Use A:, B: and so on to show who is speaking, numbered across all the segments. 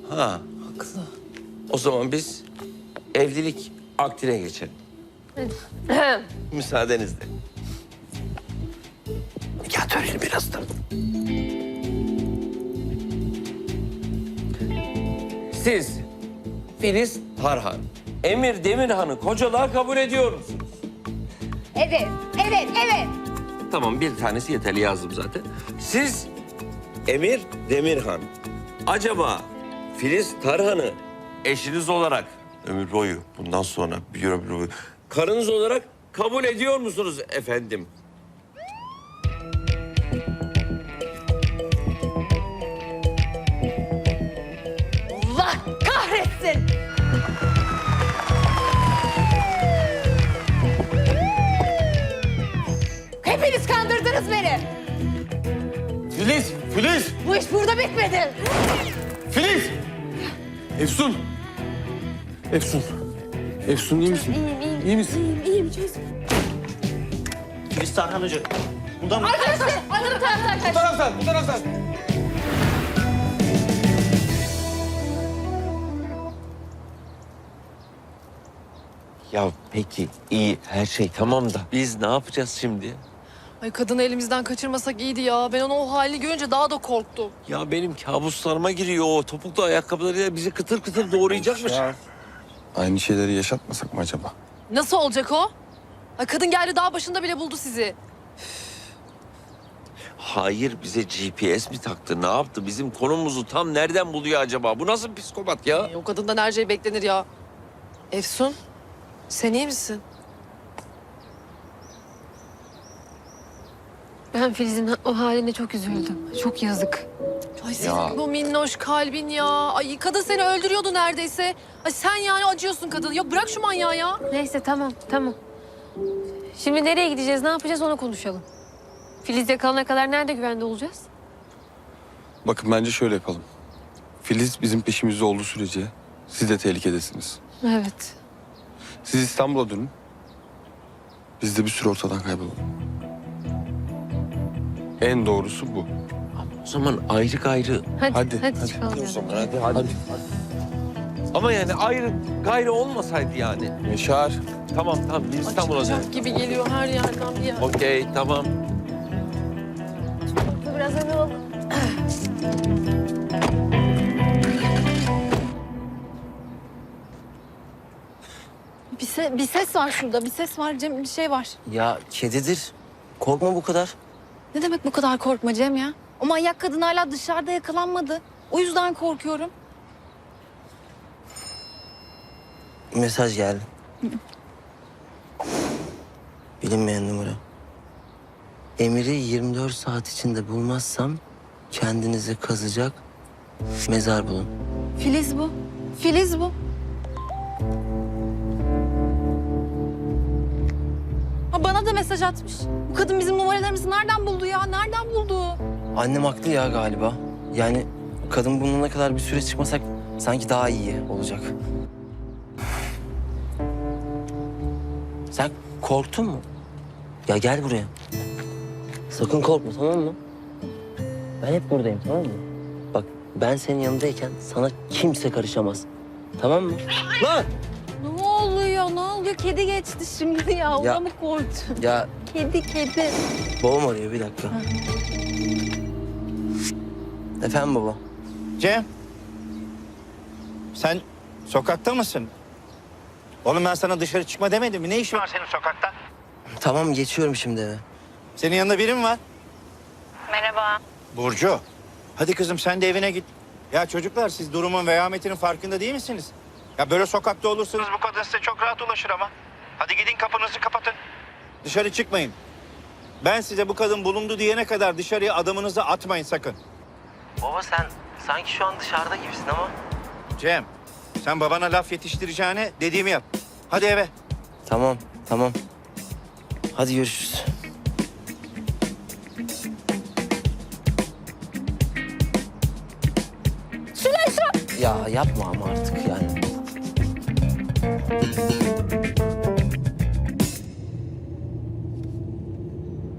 A: Ha,
B: Haklı.
A: o zaman biz evlilik akdine geçelim. Müsaadenizle. Nikah töreni birazdan. Siz Filiz Tarhan, Emir Demirhan'ı kocalığa kabul ediyor musunuz?
C: Evet, evet, evet.
A: Tamam, bir tanesi yeterli, yazdım zaten. Siz Emir Demirhan, acaba Filiz Tarhan'ı eşiniz olarak ömür boyu, bundan sonra bir ömür boyu karınız olarak kabul ediyor musunuz efendim?
C: Allah kahretsin. Hepiniz kandırdınız beni.
D: Filiz! Filiz!
C: Bu iş burada bitmedi.
D: Filiz! Efsun! Efsun! Efsun iyi misin?
C: İyiyim.
D: İyi misin?
C: İyiyim çözüm.
E: Filiz Tarhan Hoca. Buradan mı?
C: Arkadaşlar, anladım taraftan kaç.
D: taraftan, bu taraftan.
A: Ya peki iyi, her şey tamam da biz ne yapacağız şimdi?
B: Ay kadını elimizden kaçırmasak iyiydi ya. Ben onu o halini görünce daha da korktum.
A: Ya benim kabuslarıma giriyor o topuklu ayakkabılarıyla bizi kıtır kıtır doğrayacakmış.
D: Aynı şeyleri yaşatmasak mı acaba?
B: Nasıl olacak o? Ay kadın geldi dağ başında bile buldu sizi.
A: Hayır, bize GPS mi taktı, ne yaptı? Bizim konumuzu tam nereden buluyor acaba? Bu nasıl bir psikopat ya?
B: O kadından her şey beklenir ya. Efsun, sen iyi misin?
F: Ben Filiz'in o haline çok üzüldüm. Çok yazık.
B: Ay senin bu minnoş kalbin ya. Ay kadın seni öldürüyordu neredeyse. Ay sen yani acıyorsun kadın. Yok bırak şu manyağı ya.
F: Neyse tamam, tamam. Şimdi nereye gideceğiz, ne yapacağız onu konuşalım. Filiz yakalana kadar nerede güvende olacağız?
D: Bakın bence şöyle yapalım. Filiz bizim peşimizde olduğu sürece siz de tehlikedesiniz.
F: Evet.
D: Siz İstanbul'a dönün. Biz de bir süre ortadan kaybolalım. En doğrusu bu.
A: O zaman ayrı gayrı.
F: Hadi
D: Hadi.
F: çıkalım.
A: Hadi. Ama yani ayrı gayrı olmasaydı yani.
D: Yaşar.
A: Tamam biz İstanbul'a dönelim.
B: Acıkacak gibi geliyor her yerden bir yer.
A: Okey, tamam.
F: Biraz öne ol.
C: Bir ses var şurada. Bir ses var Cem. Bir şey var.
G: Ya kedidir. Korkma bu kadar.
C: Ne demek bu kadar korkma Cem ya? O manyak kadın hala dışarıda yakalanmadı. O yüzden korkuyorum.
G: Mesaj geldi. Bilinmeyen numara. Emir'i 24 saat içinde bulmazsam kendinize kazacak mezar bulun.
C: Filiz bu. Filiz bu. Ha, bana da mesaj atmış. Bu kadın bizim numaralarımızı nereden buldu ya? Nereden buldu?
G: Annem haklı ya galiba. Yani kadın bulunana kadar bir süre çıkmasak sanki daha iyi olacak. Sen korktun mu? Ya gel buraya. Sakın korkma, tamam mı? Ben hep buradayım, tamam mı? Bak ben senin yanındayken sana kimse karışamaz. Tamam mı? Lan!
C: Ne oluyor? Ne oluyor? Kedi geçti şimdi ya. Ona
G: Ya-
C: mı korktun?
G: Ya
C: Kedi.
G: babam arıyor, bir dakika. Efendim baba?
E: Cem. Sen sokakta mısın? Oğlum ben sana dışarı çıkma demedim mi? Ne işin var senin sokakta?
G: Tamam, geçiyorum şimdi eve.
E: Senin yanında biri mi var? Merhaba. Burcu. Hadi kızım sen de evine git. Ya çocuklar siz durumun vehametinin farkında değil misiniz? Ya böyle sokakta olursanız bu kadın size çok rahat ulaşır ama. Hadi gidin kapınızı kapatın. Dışarı çıkmayın. Ben size bu kadın bulundu diyene kadar dışarıya adamınızı atmayın sakın.
G: Baba sen sanki şu an dışarıda gibisin ama.
E: Cem sen babana laf yetiştireceğine dediğimi yap. Hadi eve.
G: Tamam, tamam. Hadi görüşürüz. Ya yapma ama artık yani.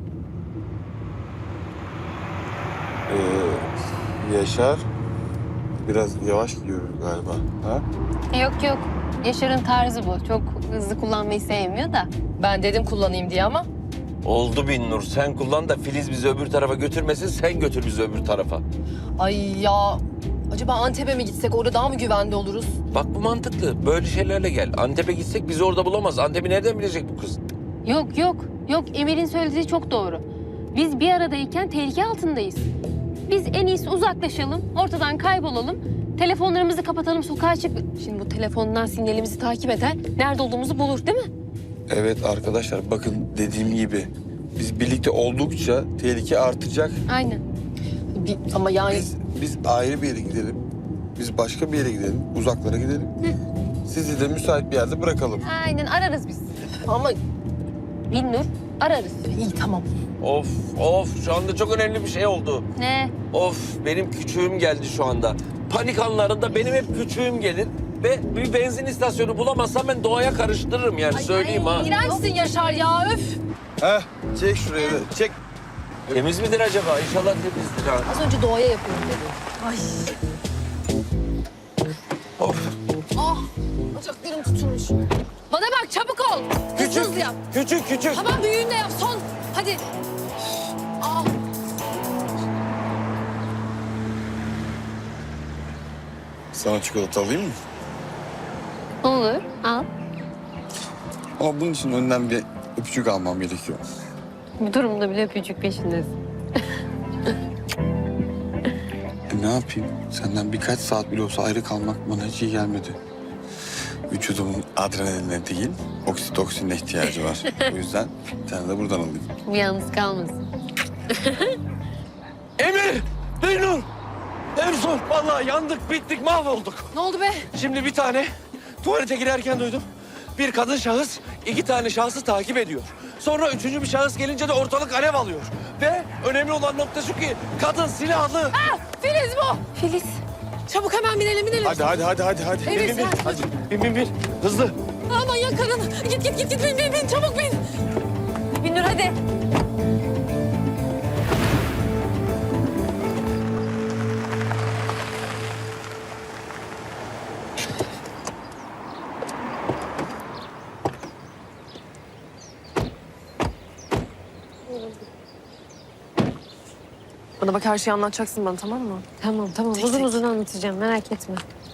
D: Yaşar. biraz yavaş gidiyoruz galiba. Ha?
F: Yok yok. Yaşar'ın tarzı bu. Çok hızlı kullanmayı sevmiyor da.
B: Ben dedim kullanayım diye ama.
A: Oldu Binnur. Sen kullan da Filiz bizi öbür tarafa götürmesin. Sen götür bizi öbür tarafa.
B: Ay ya. Acaba Antep'e mi gitsek? Orada daha mı güvende oluruz?
A: Bak bu mantıklı. Böyle şeylerle gel. Antep'e gitsek bizi orada bulamaz. Antep'i nereden bilecek bu kız?
F: Yok yok. Yok Emir'in söylediği çok doğru. Biz bir aradayken tehlike altındayız. Biz en iyisi uzaklaşalım, ortadan kaybolalım. Telefonlarımızı kapatalım, sokağa çık. Şimdi bu telefondan sinyalimizi takip eder, nerede olduğumuzu bulur değil mi?
D: Evet arkadaşlar bakın dediğim gibi biz birlikte oldukça tehlike artacak.
F: Aynen.
B: Ama yani
D: Biz ayrı bir yere gidelim. Biz başka bir yere gidelim. Uzaklara gidelim. Sizi de müsait bir yerde bırakalım.
F: Aynen ararız biz.
B: ama
F: Binnur ararız.
B: iyi tamam.
A: Of şu anda çok önemli bir şey oldu.
F: Ne?
A: Of benim küçüğüm geldi şu anda. Panik anlarında benim hep küçüğüm gelir. Ve bir benzin istasyonu bulamazsam ben doğaya karıştırırım yani söyleyeyim ha.
B: İğrençsin Yaşar ya öf.
D: Heh, çek şuraya da. Çek.
A: Temiz midir acaba? İnşallah temizdir ha.
B: Az önce doğaya yapıyorum dedi. Ay.
A: Of.
B: Ah bacaklarım tutulmuş. Bana bak çabuk ol. Hızlı hızlı yap.
A: Küçük.
B: Tamam büyüğünle yap son. Hadi. Ah.
D: Sana çikolata alayım mı?
F: Olur, al.
D: Ama bunun için önden bir öpücük almam gerekiyor.
F: Bu durumda bile öpücük peşindesin.
D: Ne yapayım? Senden birkaç saat bile olsa ayrı kalmak bana hiç iyi gelmedi. Vücudumun adrenaline değil, oksitoksinine ihtiyacı var. O yüzden bir tane de buradan alayım.
F: Bu yalnız kalmasın.
A: Emir! Beynur! Ersun! Vallahi yandık, bittik, mahvolduk.
B: Ne oldu be?
A: Şimdi bir tane tuvalete girerken duydum. Bir kadın şahıs iki tane şahsı takip ediyor. Sonra üçüncü bir şahıs gelince de ortalık alev alıyor. Ve önemli olan nokta şu ki kadın silahlı.
B: Filiz bu.
F: Filiz.
B: Çabuk hemen binelim.
D: Hadi.
B: Evet,
A: Bin.
B: sen-
A: Hadi bin. Hızlı.
B: Aman ya kadın. Git bin çabuk bin.
F: Binnur hadi.
B: Bana bak her şeyi anlatacaksın bana tamam mı?
F: Tamam. Uzun uzun anlatacağım, merak etme.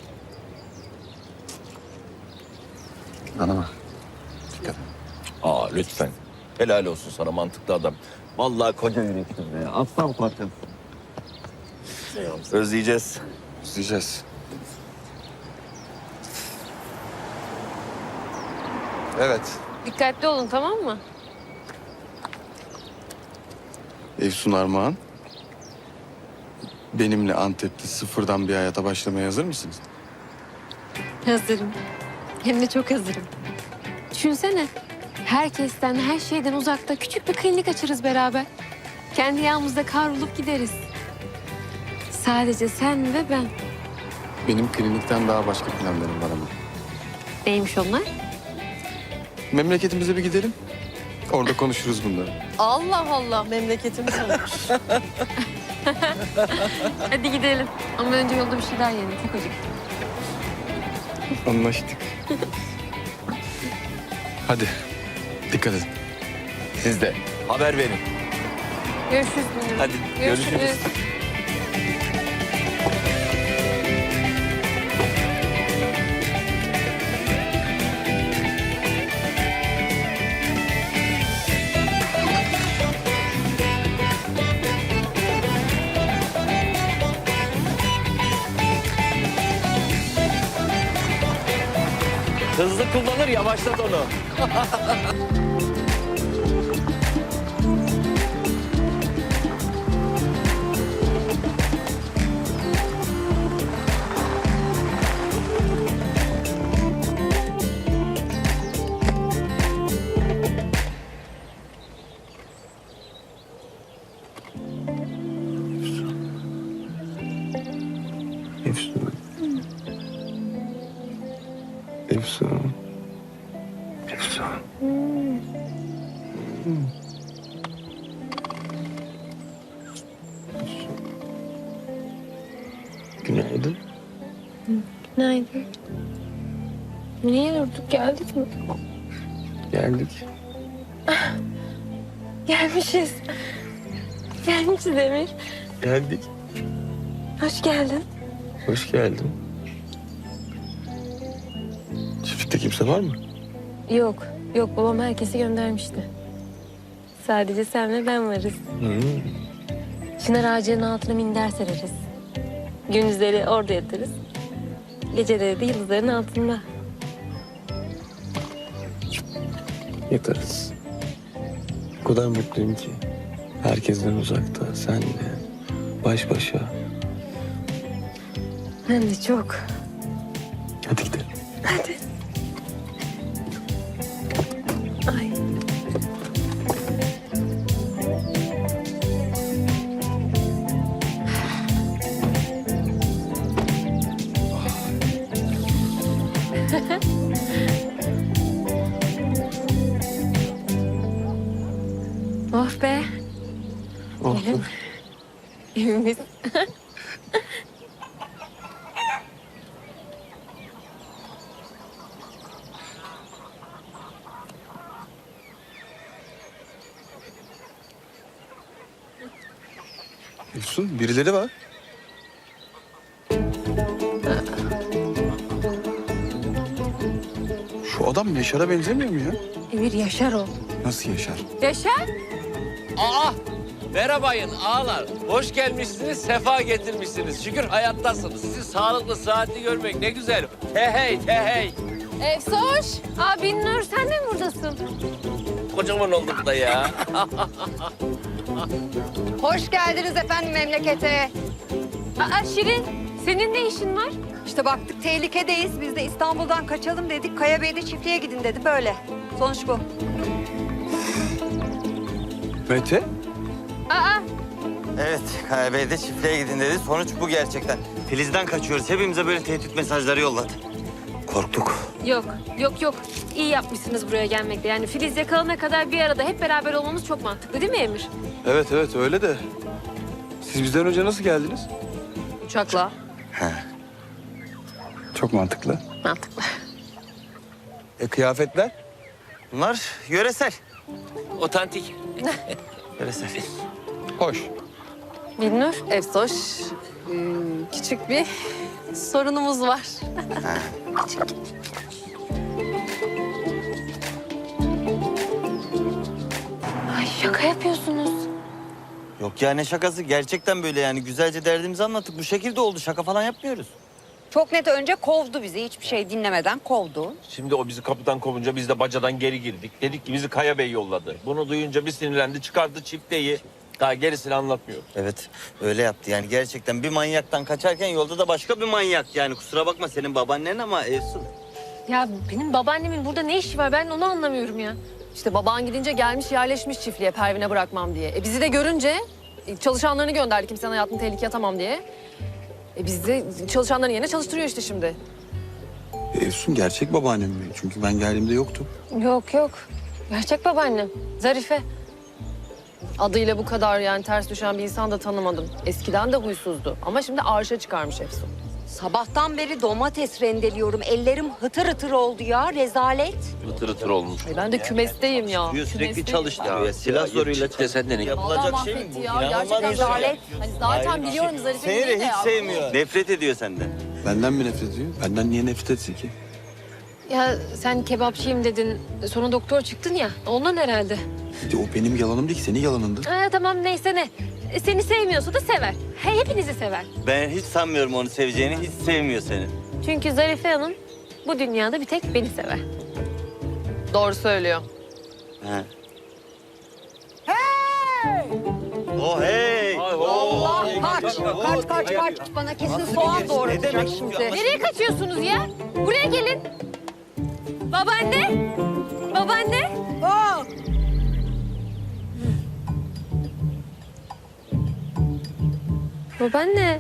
D: Bana bak. Dikkat et.
A: Aa lütfen. Helal olsun sana mantıklı adam. Vallahi koca yürekli be. Aslan parçası. Özleyeceğiz.
D: İzleyeceğiz. Evet.
F: Dikkatli olun, tamam mı?
D: Efsun Armağan. Benimle Antep'te sıfırdan bir hayata başlamaya hazır mısınız?
F: Hazırım. Hem de çok hazırım. Düşünsene. Herkesten, her şeyden uzakta küçük bir klinik açarız beraber. Kendi yağımızda kavrulup gideriz. Sadece sen ve ben.
D: Benim klinikten daha başka planlarım var ama.
F: Neymiş onlar?
D: Memleketimize bir gidelim. Orada konuşuruz bunları.
B: Allah Allah memleketimiz olmuş.
F: Hadi gidelim. Ama önce yolda bir şeyler yiyelim. Çok acıktım.
D: Anlaştık. Hadi. Dikkat edin.
A: Siz de haber verin.
F: Görüşürüz Binnur.
A: Hadi, görüşürüz. Hızlı kullanır, yavaşlat onu.
D: Efsun. Efsun. Efsun. Günaydın.
F: Günaydın. Niye durduk? Geldik mi?
D: Geldik.
F: Gelmişiz. Gelmişiz Emir.
D: Geldik.
F: Hoş geldin.
D: Hoş geldin. Çiftlikte kimse var mı?
F: Yok, yok babam herkesi göndermişti. Sadece sen ve ben varız. Çınar ağacının altına minder sereriz. Gündüzleri orada yatarız. Geceleri de yıldızların altında.
D: Yatarız. O kadar mutluyum ki. Herkesten uzakta, senle, baş başa.
F: Ben de çok.
D: Hadi gidelim.
F: Hadi. Ay. Oh be.
D: Oldu.
F: Evimiz.
D: Efsun, birileri var. Şu adam Yaşar'a benzemiyor mu ya?
F: Emir Yaşar o.
D: Nasıl Yaşar?
F: Yaşar?
A: Aa! Merhabayın ağalar. Hoş gelmişsiniz, sefa getirmişsiniz. Şükür hayattasınız. Sizi sağlıklı, sıhhatli görmek ne güzel. He hey, he hey.
B: Efsoş.
F: Aa Binnur sen de mi buradasın?
A: Kocaman olduk da ya.
H: Hoş geldiniz efendim memlekete.
F: Aa Şirin senin ne işin var?
H: İşte baktık tehlikedeyiz. Biz de İstanbul'dan kaçalım dedik. Kaya Bey de çiftliğe gidin dedi böyle. Sonuç bu.
D: Mete?
F: Aa
I: Evet, Kaya Bey de çiftliğe gidin dedi. Sonuç bu gerçekten. Filiz'den kaçıyoruz. Hepimize böyle tehdit mesajları yolladı. Korktuk.
F: yok yok yok. İyi yapmışsınız buraya gelmekle. Yani Filiz yakalana kadar bir arada hep beraber olmamız çok mantıklı değil mi Emir?
D: Evet evet öyle de. Siz bizden önce nasıl geldiniz?
B: Uçakla.
D: Çok mantıklı.
F: Mantıklı.
D: Kıyafetler?
I: Bunlar yöresel.
A: Otantik.
I: Yöresel.
D: Hoş.
F: Binnur?
B: Efsoş. Küçük bir sorunumuz var.
F: Ay şaka yapıyorsunuz.
I: Yok ya ne şakası. Gerçekten böyle yani. Güzelce derdimizi anlattık. Bu şekilde oldu. Şaka falan yapmıyoruz.
H: Çok net önce kovdu bizi. Hiçbir şey dinlemeden kovdu.
A: Şimdi o bizi kapıdan kovunca biz de bacadan geri girdik. Dedik ki bizi Kaya Bey yolladı. Bunu duyunca bir sinirlendi, çıkardı çifteyi. Daha gerisini anlatmıyor.
I: Evet, öyle yaptı. Yani gerçekten bir manyaktan kaçarken yolda da başka bir manyak. Yani kusura bakma senin babaannen ama Efsun.
F: Ya benim babaannemin burada ne işi var? Ben onu anlamıyorum ya.
B: İşte baban gidince gelmiş yerleşmiş çiftliğe Pervin'e bırakmam diye. Bizi de görünce çalışanlarını gönderdi kimsenin hayatını tehlikeye atamam diye. Biz de çalışanların yerine çalıştırıyor işte şimdi.
D: Efsun gerçek babaannem mi? Çünkü ben geldiğimde yoktu.
F: Yok yok. Gerçek babaannem. Zarife.
B: Adıyla bu kadar yani ters düşen bir insan da tanımadım. Eskiden de huysuzdu ama şimdi arşa çıkarmış Efsun.
H: Sabahtan beri domates rendeliyorum. Ellerim hıtır hıtır oldu ya. Rezalet.
A: Hıtır hıtır olmuş.
B: Ben de kümesteyim ya.
I: Diyor sürekli
B: Kümesteyim.
I: çalıştırıyor. Ya, silah zoruyla
A: çifte senden ne?
I: yapılacak
B: Vallahi
I: şey mi
B: mahvetti
I: bu?
B: ya.
I: İnanılmaz
B: Gerçekten
I: bir şey.
B: rezalet. Hani zaten
I: Hayır,
B: biliyorum Zarife'nin
I: Seni de
B: değil
I: hiç sevmiyor. Nefret ediyor senden.
D: Benden mi nefret ediyor? Benden niye nefret etsin ki?
F: Ya sen kebapçıyım dedin. Sonra doktor çıktın ya. Ondan herhalde.
D: O benim yalanım değil ki, senin yalanındı.
F: Tamam neyse ne. Seni sevmiyorsa da sever. Hepinizi sever.
I: Ben hiç sanmıyorum onu seveceğini. Hiç sevmiyor seni.
F: Çünkü Zarife Hanım bu dünyada bir tek beni sever.
B: Doğru söylüyor.
I: He. Oh hey!
H: Allah kaç. Bana kesin soğan doğratacak şimdi.
F: Nereye kaçıyorsunuz ya? Buraya gelin. Babaanne. Babaanne. Babaanne.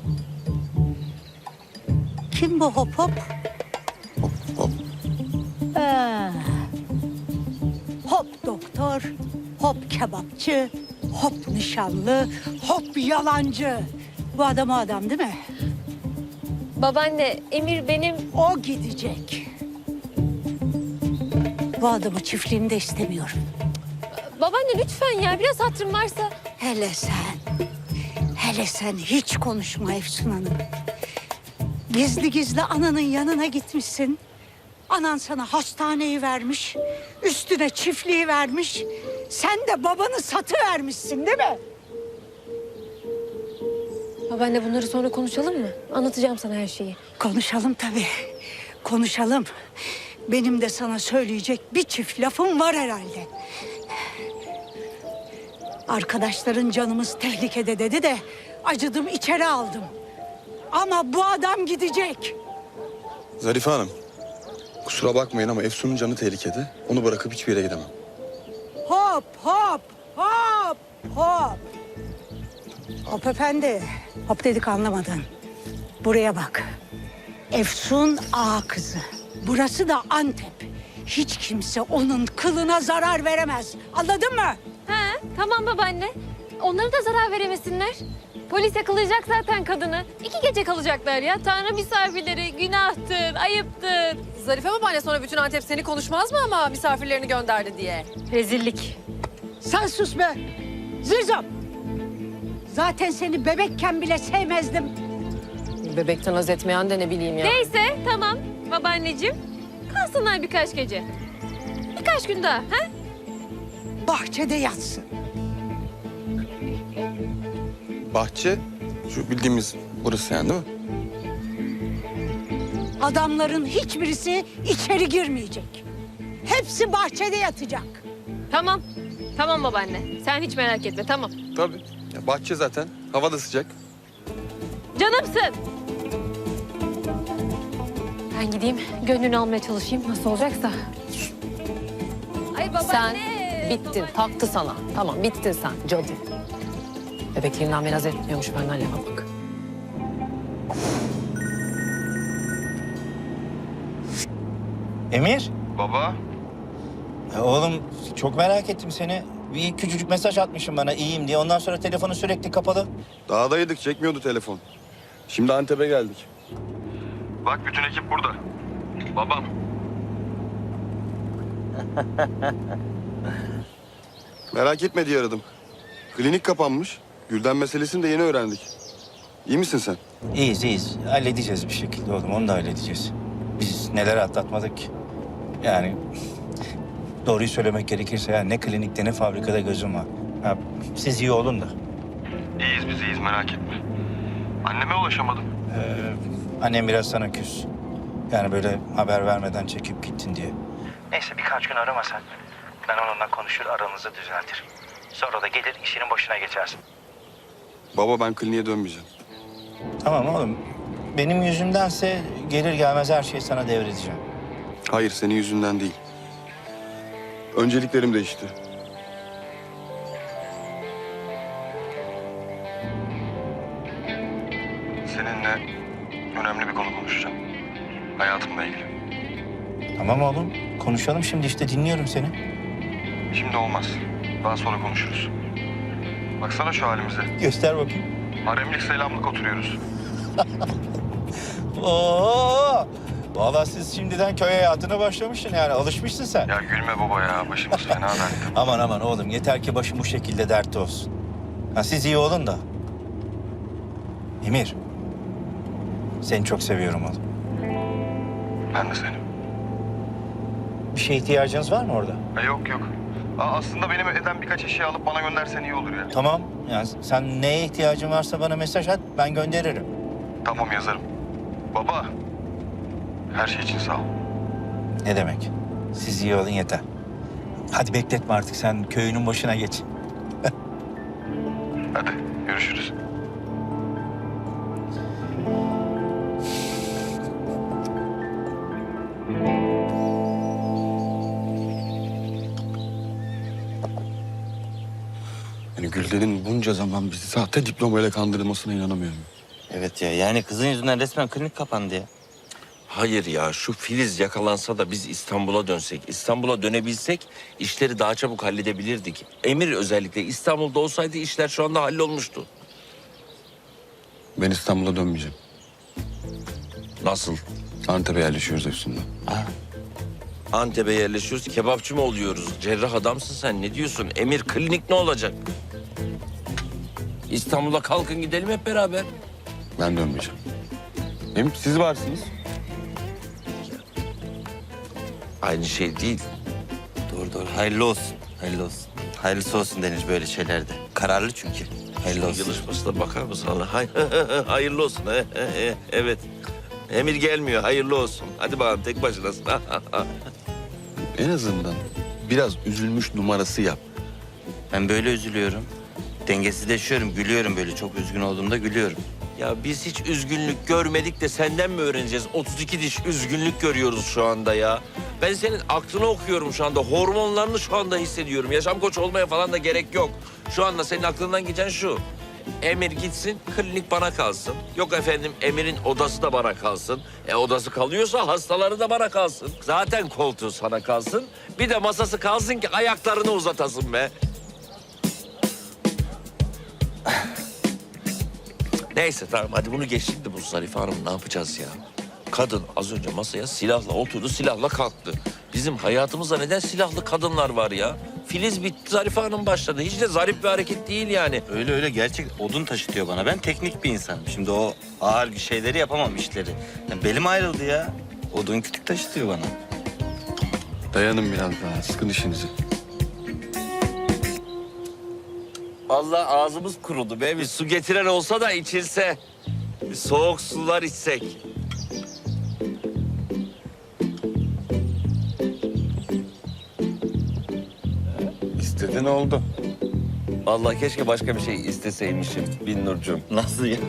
J: Kim bu hop hop?
D: Hop.
J: Hop doktor, hop kebapçı, hop nişanlı, hop yalancı. Bu adam o adam değil mi?
F: Babaanne, Emir benim...
J: O gidecek. Bu adamı çiftliğinde istemiyorum.
F: Babaanne lütfen ya, biraz hatırım varsa.
J: Hele sen hiç konuşma Efsun Hanım. Gizli gizli ananın yanına gitmişsin. Anan sana hastaneyi vermiş, üstüne çiftliği vermiş. Sen de babanı satıvermişsin değil mi?
F: Babaanne bunları sonra konuşalım mı? Anlatacağım sana her şeyi.
J: Konuşalım tabii, konuşalım. Benim de sana söyleyecek bir çift lafım var herhalde. Arkadaşların canımız tehlikede dedi de acıdım içeri aldım. Ama bu adam gidecek.
D: Zarife Hanım, kusura bakmayın ama Efsun'un canı tehlikede. Onu bırakıp hiçbir yere gidemem.
J: Hop hop hop hop. Hop efendi. Hop dedik anlamadın. Buraya bak. Efsun ağa kızı. Burası da Antep. Hiç kimse onun kılına zarar veremez. Anladın mı?
F: Ha, tamam babaanne. Onlara da zarar veremesinler. Polis yakalayacak zaten kadını. 2 gece kalacaklar ya. Tanrı misafirleri günahtır, ayıptır.
B: Zarife babaanne sonra bütün Antep seni konuşmaz mı ama misafirlerini gönderdi diye?
F: Rezillik.
J: Sen sus be. Zizom. Zaten seni bebekken bile sevmezdim.
B: Bebekten haz etmeyen de ne bileyim ya.
F: Neyse tamam babaanneciğim. Kalsınlar birkaç gece. Birkaç gün daha. Ha?
J: Bahçede yatsın.
D: Bahçe, şu bildiğimiz burası yani değil mi?
J: Adamların hiçbirisi içeri girmeyecek. Hepsi bahçede yatacak.
F: Tamam. Tamam babaanne. Sen hiç merak etme tamam.
D: Tabii. Ya bahçe zaten, hava da sıcak.
F: Canımsın. Ben gideyim gönlünü almaya çalışayım nasıl olacaksa. Ay babaanne.
B: Sen bittin, taktı sana. Tamam, bittin sen cadı. Bebekliğinden beri haz etmiyormuş benden lafa bak.
E: Emir.
I: Baba.
E: Oğlum çok merak ettim seni. Bir küçücük mesaj atmışım bana iyiyim diye. Ondan sonra telefonu sürekli kapalı.
D: Dağdaydık, çekmiyordu telefon. Şimdi Antep'e geldik.
K: Bak bütün ekip burada. Babam.
D: Merak etme diye aradım. Klinik kapanmış. Gülden meselesini de yeni öğrendik. İyi misin sen?
E: İyiyiz iyiyiz. Halledeceğiz bir şekilde oğlum. Onu da halledeceğiz. Biz neler atlatmadık ki. Yani doğruyu söylemek gerekirse ya ne klinikte ne fabrikada gözüm var. Ha, siz iyi olun da.
K: İyiyiz biz iyiyiz merak etme. Anneme ulaşamadım.
E: Annem biraz sana küs. Yani böyle haber vermeden çekip gittin diye. Neyse birkaç gün aramasan. Ben onunla konuşur aranızı düzeltirim. Sonra da gelir işinin başına geçersin.
D: Baba ben kliniğe dönmeyeceğim.
E: Tamam oğlum. Benim yüzümdense gelir gelmez her şeyi sana devredeceğim.
D: Hayır, senin yüzünden değil. Önceliklerim değişti.
K: Seninle önemli bir konu konuşacağım. Hayatımla ilgili.
E: Tamam oğlum. Konuşalım şimdi işte dinliyorum seni.
K: Şimdi olmaz. Daha sonra konuşuruz. Baksana şu halimize.
E: Göster bakayım.
K: Haremlik selamlık oturuyoruz.
E: Oo! Vallahi siz şimdiden köy hayatına başlamışsın yani alışmışsın sen.
K: Ya gülme baba ya. Başımız fena dertte.
E: Aman aman oğlum yeter ki başım bu şekilde dertte olsun. Ha, siz iyi olun da. Emir. Seni çok seviyorum oğlum.
K: Ben de seni.
E: Bir şeye ihtiyacınız var mı orada?
K: Yok yok. Aslında benim evden birkaç eşya alıp bana göndersen iyi olur ya.
E: Tamam. Yani sen neye ihtiyacın varsa bana mesaj at ben gönderirim.
K: Tamam yazarım. Baba. Her şey için sağ ol.
E: Ne demek? Siz iyi olun yeter. Hadi bekletme artık sen köyünün başına geç.
K: Hadi görüşürüz.
D: Yani Gülden'in bunca zaman bizi sahte diplomayla kandırılmasına inanamıyorum.
I: Evet ya yani kızın yüzünden resmen klinik kapandı ya.
A: Hayır ya, şu Filiz yakalansa da biz İstanbul'a dönsek, İstanbul'a dönebilsek işleri daha çabuk halledebilirdik. Emir özellikle İstanbul'da olsaydı işler şu anda hallolmuştu.
D: Ben İstanbul'a dönmeyeceğim.
A: Nasıl?
D: Antep'e yerleşiyoruz Efsun'la.
A: Antep'e yerleşiyoruz, kebapçı mı oluyoruz? Cerrah adamsın sen, ne diyorsun? Emir, klinik ne olacak? İstanbul'a kalkın gidelim hep beraber.
D: Ben dönmeyeceğim. Hem siz varsınız.
A: Aynı şey değil.
I: Doğru. Hayırlı olsun. Hayırlı olsun. Hayırlısı olsun denir böyle şeylerde. Kararlı çünkü. Hayırlı olsun.
A: Yılışmasına bakar mısın Allah? Hayırlı olsun. Evet. Emir gelmiyor, hayırlı olsun. Hadi bakalım, tek başınasın.
D: En azından biraz üzülmüş numarası yap.
I: Ben böyle üzülüyorum. Dengesizleşiyorum, gülüyorum böyle. Çok üzgün olduğumda gülüyorum.
A: Ya biz hiç üzgünlük görmedik de senden mi öğreneceğiz? 32 diş üzgünlük görüyoruz şu anda ya. Ben senin aklını okuyorum şu anda. Hormonlarını şu anda hissediyorum. Yaşam koçu olmaya falan da gerek yok. Şu anda senin aklından geçen şu. Emir gitsin, klinik bana kalsın. Yok efendim, Emir'in odası da bana kalsın. Odası kalıyorsa hastaları da bana kalsın. Zaten koltuğu sana kalsın. Bir de masası kalsın ki ayaklarını uzatasın be. Neyse tamam, hadi bunu geçtik de bu Zarife Hanım ne yapacağız ya? Kadın az önce masaya silahla oturdu, silahla kalktı. Bizim hayatımızda neden silahlı kadınlar var ya? Filiz bitti, Zarife Hanım başladı. Hiç de zarif bir hareket değil yani.
I: Öyle gerçek odun taşıtıyor bana. Ben teknik bir insanım. Şimdi o ağır şeyleri yapamam, işleri. Yani belim ayrıldı ya. Odun kütük taşıtıyor bana.
D: Dayanın biraz daha. Sıkın işinizi.
A: Allah ağzımız kurudu be. Bir su getiren olsa da içilse. Bir soğuk sular içsek.
D: İstediğin oldu.
A: Vallahi keşke başka bir şey isteseymişim Binnurcuğum.
I: Nasıl ya?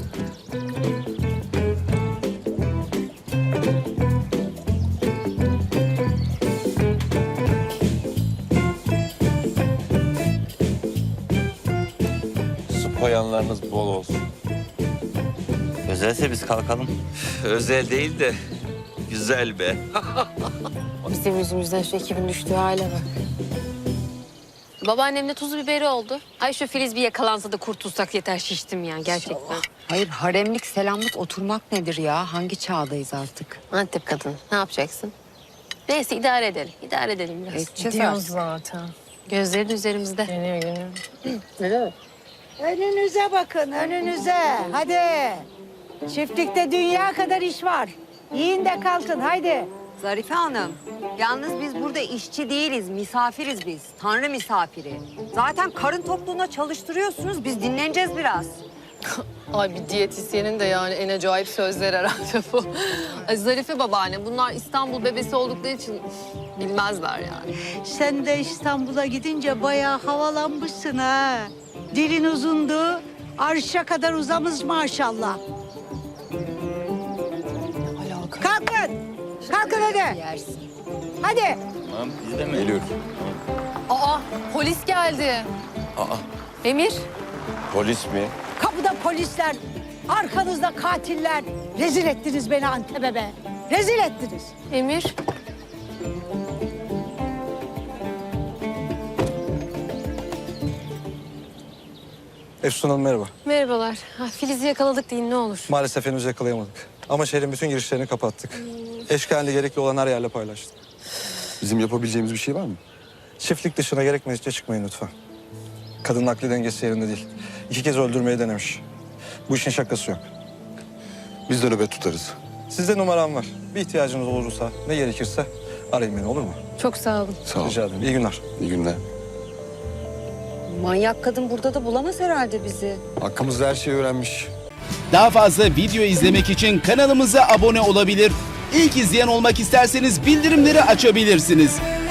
A: Su koyanlarınız bol olsun.
I: Özelse biz kalkalım.
A: Özel değil de güzel be.
F: Bizim yüzümüzden şu ekibin düştüğü hale bak. Babaannemle tuzu biberi oldu. Ay şu Filiz bir yakalansa da kurtulsak yeter, şiştim ya gerçekten.
H: Hayır, haremlik, selamlık, oturmak nedir ya? Hangi çağdayız artık?
F: Antep kadın, ne yapacaksın? Neyse idare edelim, idare edelim biraz.
H: Edeceğiz artık.
B: zaten.
F: Gözleri de üzerimizde.
B: Geliyor. Öyle mi?
J: Önünüze bakın, önünüze. Hadi. Çiftlikte dünya kadar iş var. Yiyin de kalkın, haydi.
H: Zarife Hanım, yalnız biz burada işçi değiliz, misafiriz biz. Tanrı misafiri. Zaten karın tokluğuna çalıştırıyorsunuz, biz dinleneceğiz biraz.
B: Ay bir diyetisyenin de yani en acayip sözler herhalde bu. Ay Zarife babaanne, bunlar İstanbul bebesi oldukları için bilmezler yani.
J: Sen de İstanbul'a gidince bayağı havalanmışsın ha. Dilin uzundu, arşa kadar uzamış maşallah. Kalkın, kalkın hadi.
H: Yersin.
J: Hadi.
I: Tamam, biz de mi?
D: Geliyorum.
B: Aa polis geldi.
A: Aa,
B: Emir.
A: polis mi?
J: Kapıda polisler, arkanızda katiller. Rezil ettiniz beni Antep'e be. Rezil ettiniz.
B: Emir.
L: Efsun Hanım merhaba.
F: Merhabalar. Ha, Filiz'i yakaladık deyin ne olur.
L: Maalesef henüz yakalayamadık. Ama şehrin bütün girişlerini kapattık. Eşkalinde gerekli olan her yerle paylaştık.
D: Bizim yapabileceğimiz bir şey var mı?
L: Çiftlik dışına gerekmedikçe çıkmayın lütfen. Kadının akli dengesi yerinde değil. 2 kez öldürmeyi denemiş. Bu işin şakası yok.
D: Biz de nöbet tutarız.
L: Sizde numaram var. Bir ihtiyacınız olursa ne gerekirse arayın beni, olur mu?
F: Çok sağ olun.
D: Sağ ol.
L: Rica ederim. İyi günler.
D: İyi günler.
H: Manyak kadın burada da bulamaz herhalde bizi.
D: Hakkımızda her şeyi öğrenmiş.
M: Daha fazla video izlemek için kanalımıza abone olabilir. İlk izleyen olmak isterseniz bildirimleri açabilirsiniz.